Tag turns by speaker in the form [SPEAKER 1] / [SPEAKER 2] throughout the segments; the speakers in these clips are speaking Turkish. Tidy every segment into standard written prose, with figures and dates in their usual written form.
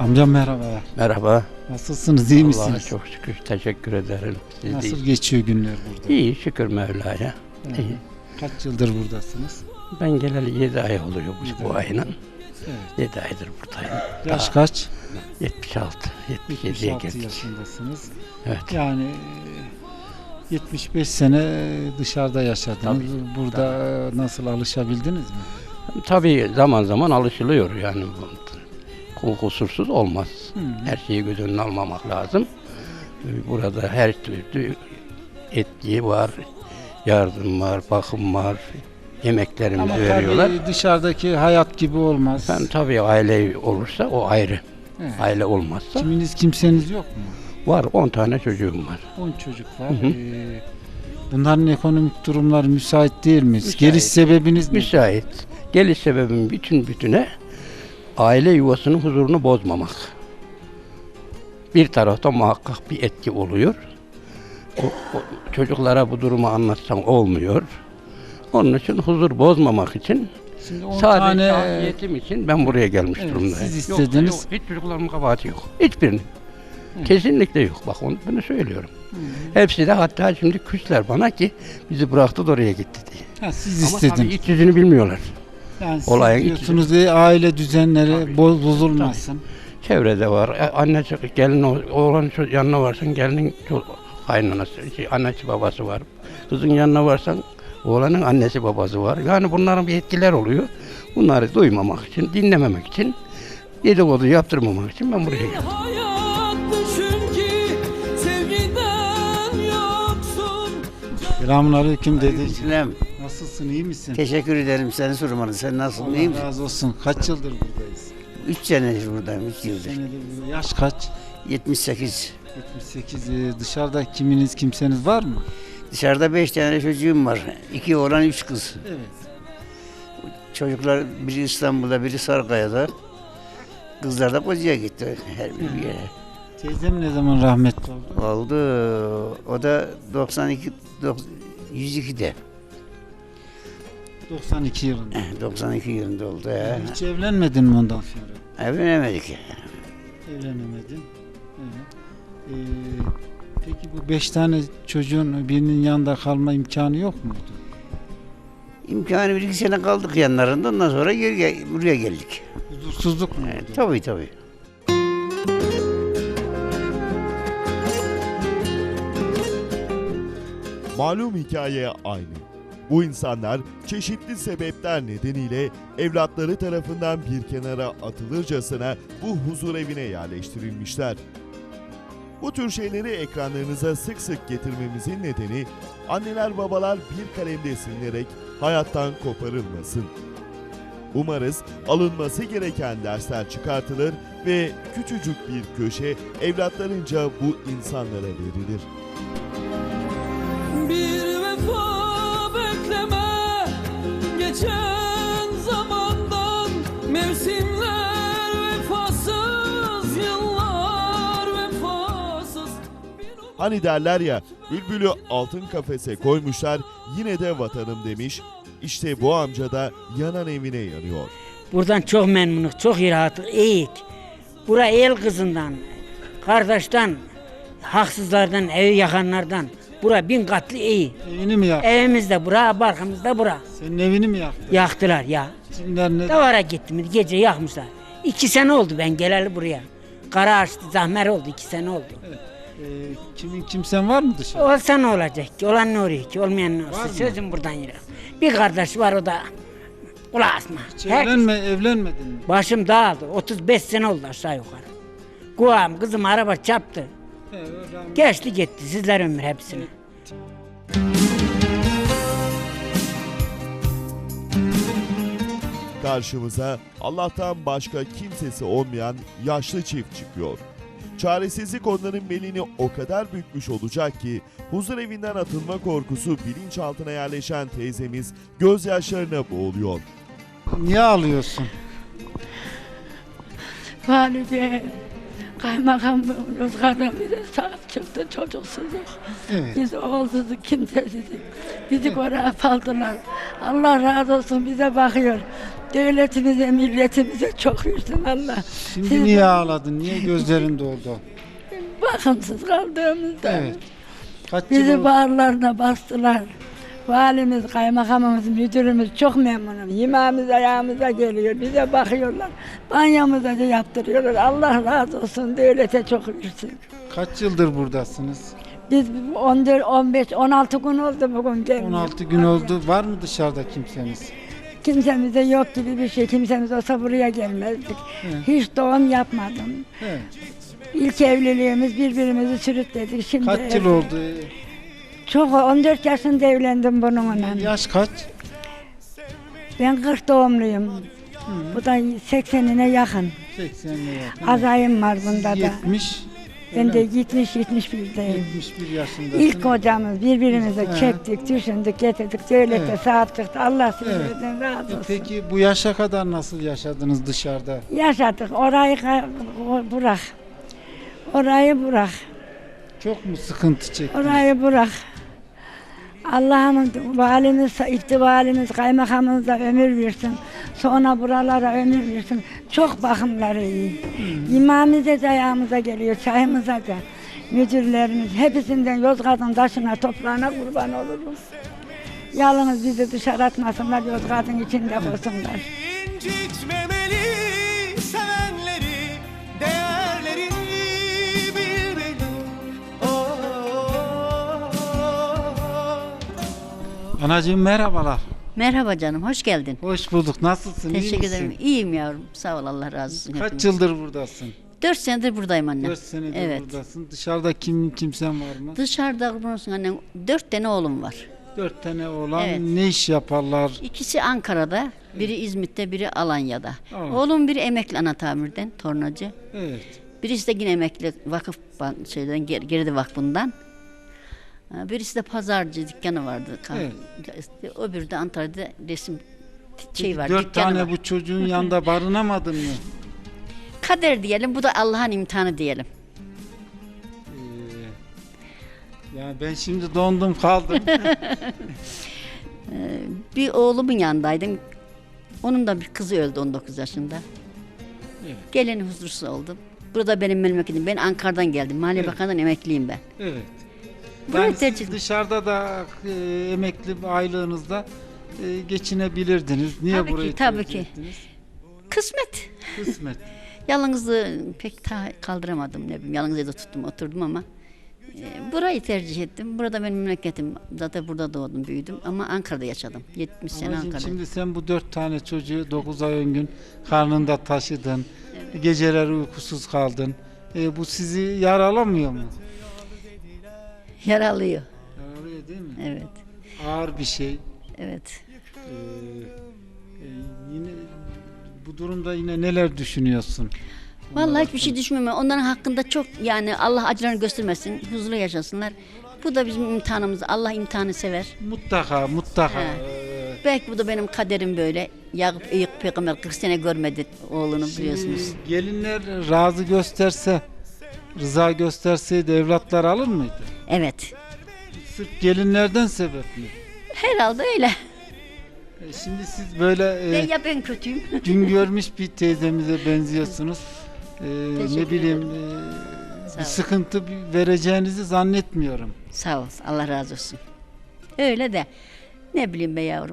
[SPEAKER 1] Amcam merhaba.
[SPEAKER 2] Merhaba.
[SPEAKER 1] Nasılsınız, iyi misiniz?
[SPEAKER 2] Allah'a çok şükür, teşekkür ederim. Siz
[SPEAKER 1] Nasıl
[SPEAKER 2] de
[SPEAKER 1] geçiyor günler burada?
[SPEAKER 2] iyi, şükür Mevla'ya.
[SPEAKER 1] Evet.
[SPEAKER 2] İyi.
[SPEAKER 1] Kaç yıldır buradasınız?
[SPEAKER 2] Ben geleli 7 ay oluyor bu ayının.
[SPEAKER 1] Evet.
[SPEAKER 2] 7 aydır buradayım.
[SPEAKER 1] Yaş kaç?
[SPEAKER 2] 76, 77'ye
[SPEAKER 1] 76
[SPEAKER 2] geldik.
[SPEAKER 1] yaşındasınız.
[SPEAKER 2] Evet.
[SPEAKER 1] Yani 75 sene dışarıda yaşadınız.
[SPEAKER 2] Tabii,
[SPEAKER 1] Burada nasıl alışabildiniz mi?
[SPEAKER 2] Tabii zaman zaman alışılıyor yani. Kusursuz olmaz. Her şeyi göz önüne almamak lazım. Burada her türlü etki var, yardım var, bakım var, yemeklerimizi
[SPEAKER 1] Ama
[SPEAKER 2] veriyorlar.
[SPEAKER 1] tabii dışarıdaki hayat gibi olmaz.
[SPEAKER 2] Ben tabii aile olursa o ayrı.
[SPEAKER 1] Evet.
[SPEAKER 2] Aile olmazsa
[SPEAKER 1] Kiminiz kimseniz yok mu?
[SPEAKER 2] var, 10 tane çocuğum var.
[SPEAKER 1] 10 çocuk var.
[SPEAKER 2] Hı hı.
[SPEAKER 1] Bunların ekonomik durumları müsait değil mi?
[SPEAKER 2] Müsait.
[SPEAKER 1] Geliş sebebiniz ne?
[SPEAKER 2] Müsait. Geliş sebebim bütüne aile yuvasının huzurunu bozmamak. Bir tarafta muhakkak bir etki oluyor. O çocuklara bu durumu anlatsan olmuyor. Onun için huzur bozmamak için
[SPEAKER 1] Şimdi 10
[SPEAKER 2] sadece
[SPEAKER 1] tane
[SPEAKER 2] afiyetim için ben buraya gelmiş
[SPEAKER 1] Evet,
[SPEAKER 2] durumdayım.
[SPEAKER 1] siz
[SPEAKER 2] Yoksa
[SPEAKER 1] istediniz.
[SPEAKER 2] yok, hiç çocuklarımın kabahati yok. Hiçbirinin. Kesinlikle yok. Bak bunu söylüyorum. Hepsi de hatta şimdi küsler bana ki bizi bıraktı da oraya gitti diye.
[SPEAKER 1] ha, siz
[SPEAKER 2] Ama tabii
[SPEAKER 1] istediniz.
[SPEAKER 2] iç yüzünü bilmiyorlar.
[SPEAKER 1] Yani
[SPEAKER 2] olayın
[SPEAKER 1] siz diyorsunuz ki aile düzenleri
[SPEAKER 2] Tabii.
[SPEAKER 1] bozulmasın.
[SPEAKER 2] Çevrede var. Annesi, gelin, oğlan yanına varsan gelinin kaynanası, annesi babası var. Kızın yanına varsan oğlanın annesi babası var. Yani bunların bir etkiler oluyor. Bunları duymamak için, dinlememek için, dedikodu yaptırmamak için ben buraya geldim.
[SPEAKER 1] Selamünaleyküm dedeciğim.
[SPEAKER 3] Selam.
[SPEAKER 1] Nasılsın, iyi misin?
[SPEAKER 3] Teşekkür ederim seni sormanı. Sen nasılsın? İyi
[SPEAKER 1] Allah
[SPEAKER 3] misin?
[SPEAKER 1] razı olsun. Kaç yıldır buradayız?
[SPEAKER 3] 3 senedir buradayım. 3 yıldır.
[SPEAKER 1] Senedir burada. Yaş kaç?
[SPEAKER 3] 78.
[SPEAKER 1] 78. Dışarıda kiminiz kimseniz var mı?
[SPEAKER 3] Dışarıda 5 tane çocuğum var. 2 oğlan 3 kız.
[SPEAKER 1] Evet.
[SPEAKER 3] Çocuklar biri İstanbul'da, biri Sarıkaya'da. Kızlar da Koca'ya gitti her bir yere.
[SPEAKER 1] Teyzem ne zaman rahmetli oldu?
[SPEAKER 3] Oldu. O da 102'de.
[SPEAKER 1] 92 yılında.
[SPEAKER 3] 92 yılında oldu ya.
[SPEAKER 1] Hiç evlenmedin mi ondan sonra?
[SPEAKER 3] Evlenemedik.
[SPEAKER 1] Evlenemedin. Evet. Peki bu 5 tane çocuğun birinin yanında kalma imkanı yok muydu?
[SPEAKER 3] İmkanı 1-2 sene kaldık yanlarında. Ondan sonra buraya geldik.
[SPEAKER 1] Huzursuzluk mu?
[SPEAKER 3] Evet, tabii.
[SPEAKER 4] Malum hikaye aynı. Bu insanlar çeşitli sebepler nedeniyle evlatları tarafından bir kenara atılırcasına bu huzur evine yerleştirilmişler. Bu tür şeyleri ekranlarınıza sık sık getirmemizin nedeni anneler babalar bir kalemde silinerek hayattan koparılmasın. Umarız alınması gereken dersler çıkartılır ve küçücük bir köşe evlatlarınca bu insanlara verilir.
[SPEAKER 5] Bir vefa bekleme geçen zamandan, mevsimler vefasız, yıllar vefasız.
[SPEAKER 4] Hani derler ya, bülbülü altın kafese koymuşlar, yine de vatanım demiş. İşte bu amca da yanan evine yanıyor.
[SPEAKER 6] Buradan çok memnunuz, çok rahatız, iyiyik. Bura el kızından, kardeşten, haksızlardan, evi yakanlardan. Bura 1000 katlı iyi.
[SPEAKER 1] Evini mi yaktı?
[SPEAKER 6] Evimizde bura, barkımızda bura.
[SPEAKER 1] Senin evini mi yaktı?
[SPEAKER 6] Yaktılar ya.
[SPEAKER 1] Kimler ne?
[SPEAKER 6] Davara gittim, gece yakmışlar. 2 sene oldu ben geleli buraya. Kara açtı, zahmer oldu, 2 sene oldu.
[SPEAKER 1] Kimin kimsen var mı dışarıda?
[SPEAKER 6] Olsa ne olacak ki? Olan ne oluyor ki? Olmayan ne olsa? Sözüm buradan yürü. Bir kardeş var, o da kulağı asma.
[SPEAKER 1] Hiç evlenmedin mi?
[SPEAKER 6] Başım dağıldı. 35 sene oldu aşağı yukarı. Kulağım, kızım araba çarptı. Geçti gitti. Sizler ömür hepsini.
[SPEAKER 4] Karşımıza Allah'tan başka kimsesi olmayan yaşlı çift çıkıyor. Çaresizlik onların belini o kadar bükmüş olacak ki huzur evinden atılma korkusu bilinçaltına yerleşen teyzemiz gözyaşlarına boğuluyor.
[SPEAKER 1] Niye ağlıyorsun?
[SPEAKER 7] Valide, kaymakam Yozgat'tan bize sahip çıktı, çocuksuzluk.
[SPEAKER 1] Evet.
[SPEAKER 7] Biz oğulsuzluk, kimsesizlik. Bizi oraya saldılar. Allah razı olsun bize bakıyor. Devletimize, milletimize çok versin Allah.
[SPEAKER 1] Şimdi
[SPEAKER 7] Siz
[SPEAKER 1] niye ağladın? Niye gözlerin doldu?
[SPEAKER 7] bakımsız kaldığımızda
[SPEAKER 1] Evet. Kaç yıl
[SPEAKER 7] bizi
[SPEAKER 1] oldu?
[SPEAKER 7] bağırlarına bastılar. Valimiz, kaymakamımız, müdürümüz çok memnunum. Yemeğimiz ayağımıza geliyor. Bize bakıyorlar. Banyomuza da yaptırıyorlar. Allah razı olsun. Devlete çok versin.
[SPEAKER 1] Kaç yıldır buradasınız?
[SPEAKER 7] Biz 14, 15, 16 gün oldu bugün gelmiyor.
[SPEAKER 1] 16 gün oldu. Var mı dışarıda kimseniz?
[SPEAKER 7] Kimsemize yok gibi bir şey. Kimsemiz olsa buraya gelmezdik.
[SPEAKER 1] Evet.
[SPEAKER 7] Hiç doğum yapmadım.
[SPEAKER 1] Evet.
[SPEAKER 7] İlk evliliğimiz birbirimizi sürükledik. Şimdi
[SPEAKER 1] Kaç yıl oldu?
[SPEAKER 7] Çok 14 yaşında evlendim bununla.
[SPEAKER 1] Yaş kaç?
[SPEAKER 7] Ben 40 doğumluyum. Bu da 80'ine yakın.
[SPEAKER 1] 80'e yakın.
[SPEAKER 7] Azayım var bunda da.
[SPEAKER 1] 70.
[SPEAKER 7] Ben de
[SPEAKER 1] öyle mi?
[SPEAKER 7] 71'deyim.
[SPEAKER 1] 71 yaşındasın.
[SPEAKER 7] İlk kocamız birbirimize
[SPEAKER 1] He.
[SPEAKER 7] çektik, düşündük, getirdik. Devlete
[SPEAKER 1] Evet.
[SPEAKER 7] sahip çıktı. Allah
[SPEAKER 1] Evet.
[SPEAKER 7] sizlerden razı olsun.
[SPEAKER 1] Peki bu yaşa kadar nasıl yaşadınız dışarıda?
[SPEAKER 7] Yaşadık. Orayı bırak. Orayı bırak.
[SPEAKER 1] Çok mu sıkıntı çektiniz?
[SPEAKER 7] Orayı bırak. Allah'ım valimiz, valimiz, kaymakamımız da ömür versin. Sonra buralara ömür versin. Çok bakımları iyi. Yemeğimize de ayağımıza geliyor, çayımıza da. Müdürlerimiz hepsinden Yozgat'ın taşına, toprağına kurban oluruz. Yalnız bizi dışarı atmasınlar, Yozgat'ın içinde koysunlar.
[SPEAKER 8] İncitmemeli sevenleri, değerlerini bilmeli.
[SPEAKER 1] Anacığım merhabalar.
[SPEAKER 9] Merhaba canım, hoş geldin.
[SPEAKER 1] Hoş bulduk. Nasılsın? iyi
[SPEAKER 9] Teşekkür
[SPEAKER 1] misin?
[SPEAKER 9] ederim. İyiyim yavrum. Sağ ol, Allah razı olsun.
[SPEAKER 1] Kaç
[SPEAKER 9] hepimiz.
[SPEAKER 1] yıldır buradasın?
[SPEAKER 9] 4 senedir buradayım anne.
[SPEAKER 1] 4 senedir
[SPEAKER 9] Evet.
[SPEAKER 1] buradasın. Dışarıda kimsen var mı?
[SPEAKER 9] Dışarıda kurban olsun annem. 4 tane oğlum var.
[SPEAKER 1] 4 tane oğlan
[SPEAKER 9] Evet.
[SPEAKER 1] ne iş yaparlar?
[SPEAKER 9] İkisi Ankara'da, biri İzmit'te, biri Alanya'da.
[SPEAKER 1] Evet.
[SPEAKER 9] Oğlum biri emekli ana tamirden, tornacı.
[SPEAKER 1] Evet.
[SPEAKER 9] Birisi de yine emekli vakıf şeyden, Geride Vakfı'ndan. Birisi de pazarcı dükkanı vardı.
[SPEAKER 1] Evet.
[SPEAKER 9] Öbürü de Antalya'da resim şey var,
[SPEAKER 1] 4
[SPEAKER 9] dükkanı
[SPEAKER 1] tane
[SPEAKER 9] var.
[SPEAKER 1] bu çocuğun yanında barınamadın mı?
[SPEAKER 9] Kader diyelim, bu da Allah'ın imtihanı diyelim.
[SPEAKER 1] Ya ben şimdi dondum kaldım.
[SPEAKER 9] Bir oğlumun yanındaydım. Onun da bir kızı öldü 19 yaşında.
[SPEAKER 1] Evet.
[SPEAKER 9] Geleni huzursuz oldum. Burada benim memleketim. Ben Ankara'dan geldim. Maliye
[SPEAKER 1] Evet.
[SPEAKER 9] Bakanı'ndan emekliyim ben.
[SPEAKER 1] Evet.
[SPEAKER 9] Burayı
[SPEAKER 1] Yani
[SPEAKER 9] tercih
[SPEAKER 1] siz
[SPEAKER 9] ettim.
[SPEAKER 1] dışarıda da emekli aylığınızda geçinebilirdiniz. Niye
[SPEAKER 9] Tabii ki,
[SPEAKER 1] burayı
[SPEAKER 9] tabii
[SPEAKER 1] tercih
[SPEAKER 9] ki.
[SPEAKER 1] ettiniz?
[SPEAKER 9] Kısmet.
[SPEAKER 1] Kısmet.
[SPEAKER 9] Yalnızlığı pek kaldıramadım. Ne bileyim, yalnız evde tuttum, oturdum ama burayı tercih ettim. Burada benim memleketim. Zaten burada doğdum, büyüdüm ama Ankara'da yaşadım. 70 sene
[SPEAKER 1] Anacığım,
[SPEAKER 9] Ankara'da.
[SPEAKER 1] şimdi sen bu 4 tane çocuğu 9 ay 10 gün karnında taşıdın. Geceler uykusuz kaldın. Bu sizi yaralamıyor mu?
[SPEAKER 9] Yaralıyor.
[SPEAKER 1] Yaralıyor değil mi?
[SPEAKER 9] Evet.
[SPEAKER 1] Ağır bir şey.
[SPEAKER 9] Evet.
[SPEAKER 1] Yine bu durumda yine neler düşünüyorsun?
[SPEAKER 9] Vallahi hiçbir şey düşünmüyorum. Onların hakkında çok, yani Allah acılarını göstermesin, huzurlu yaşasınlar. Bu da bizim imtihanımız. Allah imtihanı sever.
[SPEAKER 1] Mutlaka.
[SPEAKER 9] He. Belki bu da benim kaderim böyle. Yakup Eyüp Peygamber 40 sene görmedi oğlunu, biliyorsunuz.
[SPEAKER 1] Şimdi gelinler razı gösterse, rıza gösterseydi evlatlar alır mıydı?
[SPEAKER 9] Evet.
[SPEAKER 1] Sırf gelinlerden sebep mi?
[SPEAKER 9] Herhalde öyle.
[SPEAKER 1] Şimdi siz böyle
[SPEAKER 9] Ben kötüyüm.
[SPEAKER 1] gün görmüş bir teyzemize benziyorsunuz. Ne
[SPEAKER 9] Teşekkür
[SPEAKER 1] bileyim bir
[SPEAKER 9] ol.
[SPEAKER 1] sıkıntı vereceğinizi zannetmiyorum.
[SPEAKER 9] Sağ ol. Allah razı olsun. Öyle de ne bileyim be yavrum.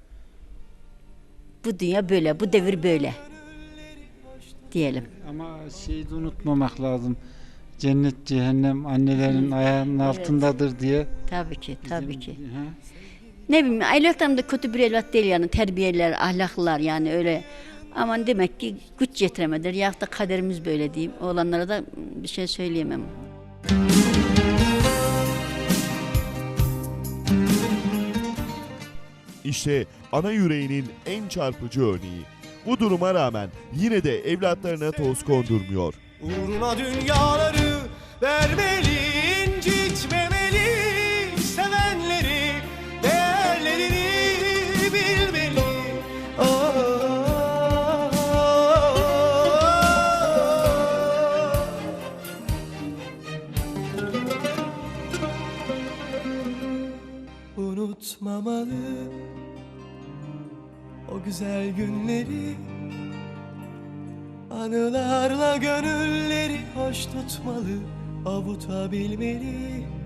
[SPEAKER 9] Bu dünya böyle, bu devir böyle. Diyelim.
[SPEAKER 1] Ama şeyi de unutmamak lazım. Cennet cehennem annelerin ayağının altındadır diye.
[SPEAKER 9] Tabii ki, tabii
[SPEAKER 1] bizim-
[SPEAKER 9] ki.
[SPEAKER 1] Ha?
[SPEAKER 9] Ne bileyim, evlatlarım da kötü bir evlat değil yani, terbiyeler, ahlaklılar yani öyle. Aman demek ki güç yetiremediler ya da kaderimiz böyle diyeyim. Oğlanlara da bir şey söyleyemem.
[SPEAKER 4] İşte ana yüreğinin en çarpıcı örneği. Bu duruma rağmen yine de evlatlarına toz kondurmuyor.
[SPEAKER 8] Uğruna dünyaları vermeli, incitmemeli sevenleri, değerlerini bilmeli. Unutmamalı o güzel günleri. Anılarla gönülleri hoş tutmalı, avutabilmeli.